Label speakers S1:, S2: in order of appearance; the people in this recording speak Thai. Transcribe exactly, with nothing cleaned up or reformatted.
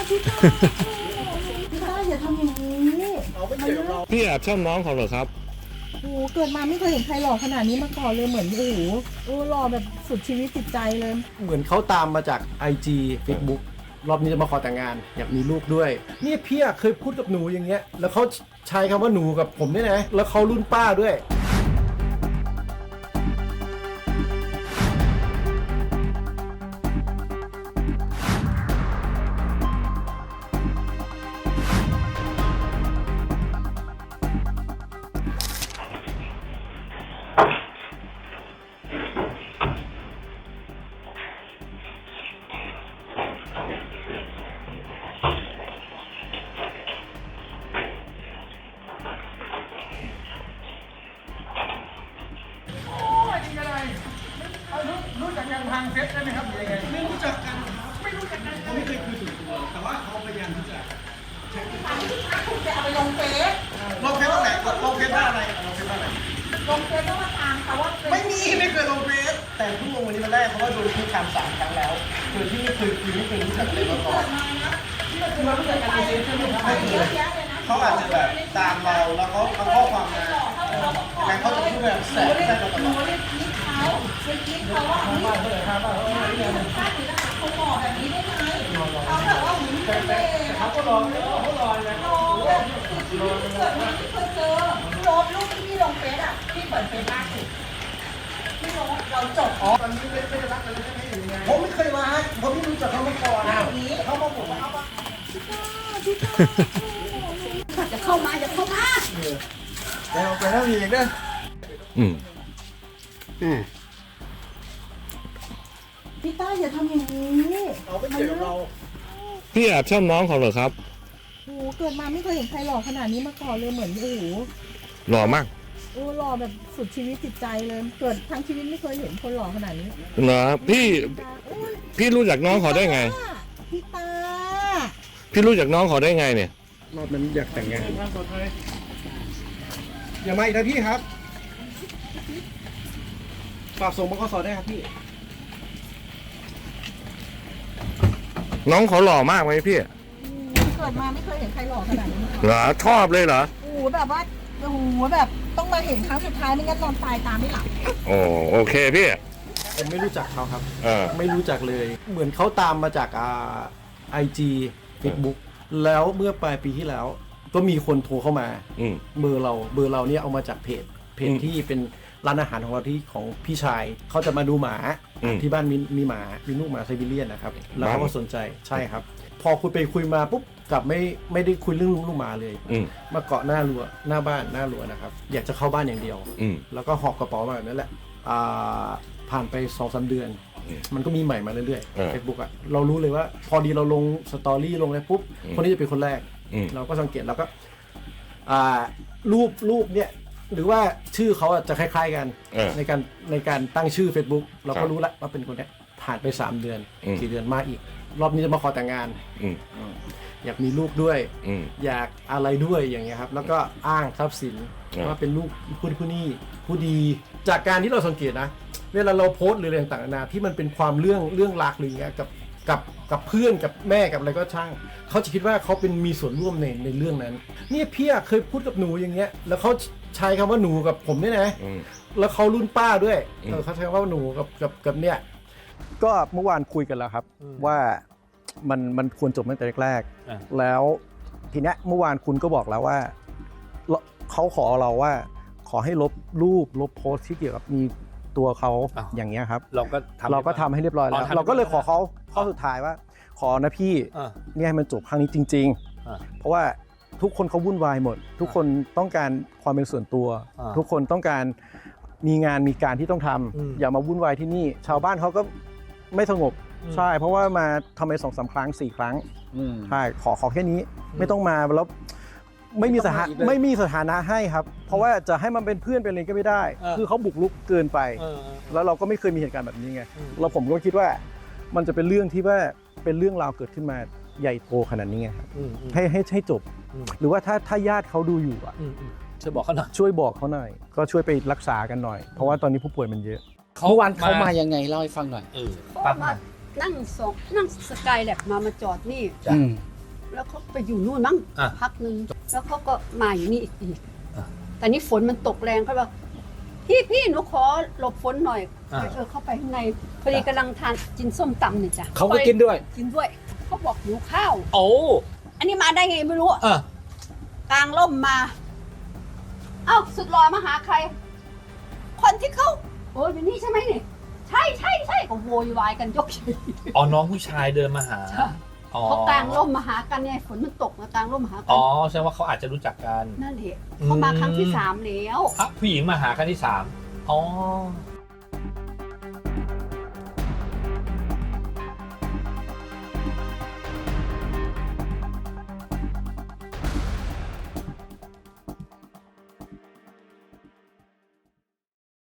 S1: พี่ต้าพี่ต้าอย่าทำอย่างนี้
S2: พี่แอบชอบน้องเขาเหรอครับ
S1: โอ้เกิดมาไม่เคยเห็นใครหล่อขนาดนี้มาก่อนเลยเหมือนโอ้โหโอ้หล่อแบบสุดชีวิตจิตใจเลย
S3: เหมือนเขาตามมาจาก ไอ จี Facebook รอบนี้จะมาขอแต่งงานอยากมีลูกด้วยเนี่ยพี่เคยพูดกับหนูอย่างเงี้ยแล้วเขาใช้คำว่าหนูกับผมด้วยนะแล้วเขารุ่นป้าด้วยรู้จักกันทางเฟซได้ไหมครับหรือยังไงไม่รู้จักกันไม่รู้จักกันเขาไม่เคยคุยส่วนตัวแต่ว่าเขาพยายามที่จะ
S1: คุณจะเอาไปลงเฟซ
S3: ลงเฟซว่าไหนลงเฟซว่าอะไรลงเฟซว่าอะไร
S1: ลงเฟซต้องมาตามเขาว่า
S3: ไม่มีไม่เคยลงเฟซแต่เพิ่งลงวันนี้มาได้เพราะว่าโดนคุกคามสามครั้งแล้วโดยที่ไม่เคยคุยไม่เคยรู้จักเลยมาก่อนที่เราเคยรู้จักกันในเฟซใช่ไหมครับเขาอาจจะแบบตามเราแล้วเขาเอาข้อความมาแต่เขาจะพูดแบบแสบแสบตลอด
S1: เขาไปคิดเขาว่าเขาบอกแบบนี้ได้ไหมเขาแบบว่าหุ่นเป๊ะ
S3: เขาก็รอเขารอนะ
S1: รอแบบชีวิตที่เกิดมาไม่เคยเจอโพสรูปที่พี่ลงเฟซอ่ะพี่เปิดเฟซล่าสุดพี่ลงเราจบ
S3: อ๋อตอนนี้ไม่ไม่ได้รักกันเลยใช่ไหมหรือไงผมไม่เคยรักผมไม่รู้จักเขามาก่อนเขามาบอกว่าเขาว่า
S1: พี่ต้าพี่ต้าจะเข้ามาจะเข้ามา
S3: แล้วไปแล้วอีกนะ
S2: อืม
S3: อืม
S1: พี่ต้าอย่าทำอย่างนี้
S3: เราไม่เกี่ยวเรา
S2: พี่แอบชอบน้องเขาเหรอครับ
S1: โอ้เกิดมาไม่เคยเห็นใครหล่อขนาดนี้มาก่อนเลยเหมือนโอ้โห
S2: หล่อมาก
S1: โอ้หล่อแบบสุดชีวิตจิตใจเลยเกิดทั้งชีวิตไม่เคยเห็นคนหล่อขนาดนี้
S2: เหรอพี่พี่รู้จักน้องเขาได้ไง
S1: พี่ตา
S2: พี่รู้จักน้องเขาได้ไงเนี่ย
S3: รอบนั้นอยากแต่งงานอย่ามาอีกนะพี่ครับฝากส่งบขสได้ครับพี่
S2: น้องเขาหล่อมากไหมพี่
S1: เกิดมาไม่เคยเห็นใครหล่อขนาดนี้
S2: เหรอชอบเลยเหรอ
S1: โอ้โหแบบว่าโอ้โหแบบต้องมาเห็นครั้งสุดท้ายไม่งั้นนอนตายตามไม่หลับ
S2: โอ้โอเคพี่
S3: ผมไม่รู้จักเขาครับ
S2: เออ
S3: ไม่รู้จักเลยเหมือนเขาตามมาจากอ่า ไอ จี Facebook แล้วเมื่อปลายปีที่แล้วก็มีคนโทรเข้ามาเบอร์เราเบอร์เราเนี่ยเอามาจากเพจเพจที่เป็นร้านอาหารของเราที่ของพี่ชายเขาจะมาดูหมาที่บ้านมีมีหมามีลูกหมาไซบีเรียนนะครับแล้วเขาก็สนใจใช่ครับพอคุยไปคุยมาปุ๊บกลับไม่ไม่ได้คุยเรื่องลูกหมาเลยมาเกาะหน้ารั้วหน้าบ้านหน้ารั้วนะครับอยากจะเข้าบ้านอย่างเดียวแล้วก็หอบกระเป๋ามาแบบนั้นแหละผ่านไปสองสามเดือนมันก็มีใหม่มาเรื่อยๆ Facebook อ่ะเรารู้เลยว่าพอดีเราลงสตอรี่ลงอะไรปุ๊บคนนี้จะเป็นคนแรกเราก็สังเกตแล้วก็รูปรูปเนี่ยหรือว่าชื่อเขาจะคล้ายๆกันในการในการตั้งชื่อ Facebook เราก็รู้แล้วว่าเป็นคนนี้ผ่านไปสามเดือนสี่เดือนมาอีกรอบนี้จะมาขอแต่งงานอยากมีลูกด้วยอยากอะไรด้วยอย่างเงี้ยครับแล้วก็อ้างทรัพย์สินว่าเป็นลูกผู้ผู้นี้ผู้ดีจากการที่เราสังเกตนะเวลาเราโพสต์หรืออะไรต่างๆนานาที่มันเป็นความเรื่องเรื่องรักหรืออย่างเงี้ยกับกับกับเพื่อนกับแม่กับอะไรก็ช่างเขาจะคิดว่าเขาเป็นมีส่วนร่วมในในเรื่องนั้นเนี่ยพี่เคยพูดกับหนูอย่างเงี้ยแล้วเขาใช้คำว่าหนูกับผมเนี่ยนะแล้วเขารุ่นป้าด้วยเขาใช้คำว่าหนูกับกับกับเนี่ยก็เมื่อวานคุยกันแล้วครับว่ามันมันควรจบตั้งแต่แรกๆแล้วทีเนี้ยเมื่อวานคุณก็บอกแล้วว่าเขาขอเราว่าขอให้ลบรูปลบโพสต์ที่เกี่ยวกับมีตัวเขาอย่างเงี้ยครับเราก็เราก็ทำให้เรียบร้อยแล้วเราก็เลยขอเขาข้อสุดท้ายว่าขอนะพี่เนี่ยให้มันจบครั้งนี้จริงๆเพราะว่าทุกคนเขาวุ่นวายหมดทุกคนต้องการความเป็นส่วนตัวทุกคนต้องการมีงานมีการที่ต้องทำอย่ามาวุ่นวายที่นี่ชาวบ้านเขาก็ไม่สงบใช่เพราะว่ามาทำไปสองสามครั้งสี่ครั้งใช่ขอขอแค่นี้ไม่ต้องมาแล้วไม่มีสถานะไม่มีสถานะให้ครับเพราะว่าจะให้มันเป็นเพื่อนเป็นอะไรก็ไม่ได้คือเขาบุกรุกเกินไปแล้วเราก็ไม่เคยมีเหตุการณ์แบบนี้ไงเราผมก็คิดว่ามันจะเป็นเรื่องที่ว่าเป็นเรื่องราวเกิดขึ้นมาใหญ่โตขนาดนี้ไงครับให้ให้ให้จบหรือว่าถ้าถ้าญาติเขาดูอยู่อ่ะ
S4: ช่วยบอกเขาหน่อย
S3: ช่วยบอกเขาหน่อยก็ช่วยไปรักษากันหน่อยเพราะว่าตอนนี้ผู้ป่วยมันเยอะ
S4: เมื่อวานเขามายังไงเล่าให้ฟังหน่อย
S5: เขามานั่งสองนั่งสกายแลบมามาจอดนี่
S1: แล้วเขาไปอยู่นู่นมั้ง
S5: อ่ะ
S1: พักหนึ่งแล้วเขาก็มาอยู่นี่อีกอีก
S5: อ่ะ
S1: แต่นี่ฝนมันตกแรงเขาบอกพี่พี่หนูขอหลบฝนหน่อย
S5: อ่ะ
S1: เออเข้าไปข้างในพอดีกำลังทานกินส้มตำเนี่ยจ้ะ
S4: เขาก็กินด้วย
S1: กินด้วยเขาบอกหิวข้าว
S5: โอ้
S1: อันนี้มาได้ไงไม่รู้
S5: อ่ะ
S1: กลางร่มมา เอ้าสุดหล่อมาหาใคร คนที่เขาโอ้ยอยู่นี่ใช่ไหมนี่ใช่ใช่ใช่ก็โวยวายกันยกใหญ่
S5: อ๋อน้องผู้ชายเดินมาหา
S1: ใช่
S5: อ๋อ
S1: เขากลางร่มมาหากันไงฝนมันตกมากลางร่มมาหากั
S5: อ๋อแสดงว่าเขาอาจจะรู้จักกัน
S1: นั่นแหละเขามาครั้งที่สามแล้ว
S5: อ่ะผู้หญิงมาหาครั้งที่สามอ๋อ